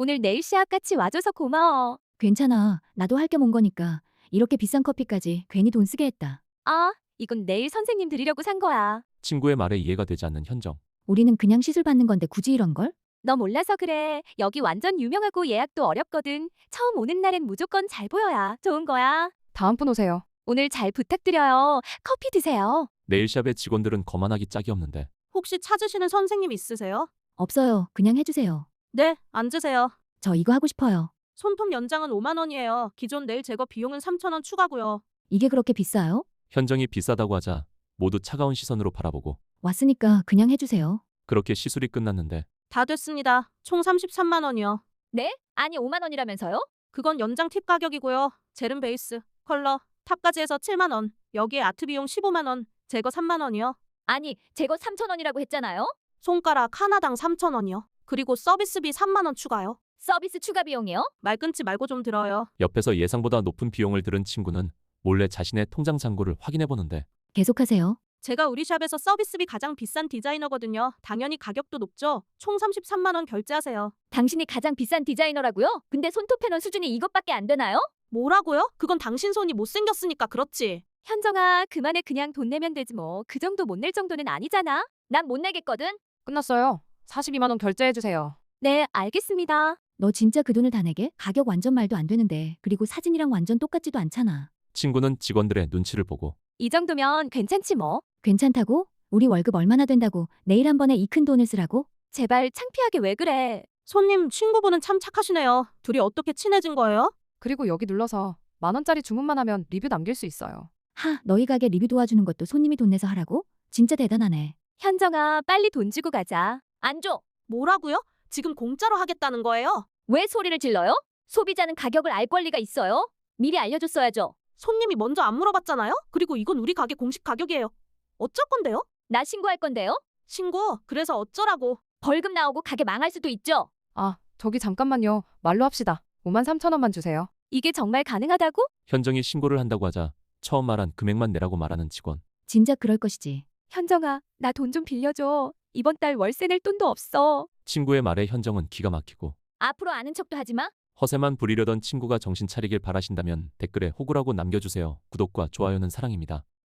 오늘 네일 시합 같이 와줘서 고마워. 괜찮아. 나도 할 겸 온 거니까. 이렇게 비싼 커피까지 괜히 돈 쓰게 했다. 아, 이건 네일 선생님 드리려고 산 거야. 친구의 말에 이해가 되지 않는 현정. 우리는 그냥 시술 받는 건데 굳이 이런 걸? 너 몰라서 그래. 여기 완전 유명하고 예약도 어렵거든. 처음 오는 날엔 무조건 잘 보여야 좋은 거야. 다음 분 오세요. 오늘 잘 부탁드려요. 커피 드세요. 네일샵의 직원들은 거만하기 짝이 없는데 혹시 찾으시는 선생님 있으세요? 없어요. 그냥 해주세요. 네, 앉으세요. 저 이거 하고 싶어요. 손톱 연장은 5만 원이에요. 기존 네일 제거 비용은 3천 원 추가고요. 이게 그렇게 비싸요? 현정이 비싸다고 하자 모두 차가운 시선으로 바라보고 왔으니까 그냥 해주세요. 그렇게 시술이 끝났는데 다 됐습니다. 총 33만 원이요. 네? 아니 5만 원이라면서요? 그건 연장 팁 가격이고요. 젤은 베이스, 컬러, 탑까지 해서 7만 원. 여기에 아트 비용 15만 원, 제거 3만 원이요. 아니 제거 3천 원이라고 했잖아요. 손가락 하나당 3천 원이요. 그리고 서비스비 3만 원 추가요. 서비스 추가 비용이요? 말 끊지 말고 좀 들어요. 옆에서 예상보다 높은 비용을 들은 친구는 몰래 자신의 통장 잔고를 확인해 보는데 계속하세요. 제가 우리 샵에서 서비스비 가장 비싼 디자이너거든요. 당연히 가격도 높죠. 총 33만 원 결제하세요. 당신이 가장 비싼 디자이너라고요? 근데 손톱 패널 수준이 이것밖에 안 되나요? 뭐라고요? 그건 당신 손이 못생겼으니까 그렇지. 현정아, 그만해. 그냥 돈 내면 되지 뭐. 그 정도 못 낼 정도는 아니잖아. 난 못 내겠거든. 끝났어요. 42만 원 결제해 주세요. 네, 알겠습니다. 너 진짜 그 돈을 다 내게? 가격 완전 말도 안 되는데. 그리고 사진이랑 완전 똑같지도 않잖아. 친구는 직원들의 눈치를 보고 이 정도면 괜찮지 뭐. 괜찮다고? 우리 월급 얼마나 된다고 내일 한 번에 이 큰 돈을 쓰라고? 제발 창피하게 왜 그래. 손님 친구분은 참 착하시네요. 둘이 어떻게 친해진 거예요? 그리고 여기 눌러서 10,000원짜리 주문만 하면 리뷰 남길 수 있어요. 하, 너희 가게 리뷰 도와주는 것도 손님이 돈 내서 하라고? 진짜 대단하네. 현정아, 빨리 돈 주고 가자. 안 줘. 뭐라고요? 지금 공짜로 하겠다는 거예요? 왜 소리를 질러요? 소비자는 가격을 알 권리가 있어요. 미리 알려줬어야죠. 손님이 먼저 안 물어봤잖아요? 그리고 이건 우리 가게 공식 가격이에요. 어쩔 건데요? 나 신고할 건데요. 신고, 그래서 어쩌라고. 벌금 나오고 가게 망할 수도 있죠. 아, 저기 잠깐만요. 말로 합시다. 53,000원만 주세요. 이게 정말 가능하다고? 현정이 신고를 한다고 하자 처음 말한 금액만 내라고 말하는 직원. 진작 그럴 것이지. 현정아, 나 돈 좀 빌려줘. 이번 달 월세 낼 돈도 없어. 친구의 말에 현정은 기가 막히고 앞으로 아는 척도 하지 마. 허세만 부리려던 친구가 정신 차리길 바라신다면 댓글에 호구라고 남겨주세요. 구독과 좋아요는 사랑입니다.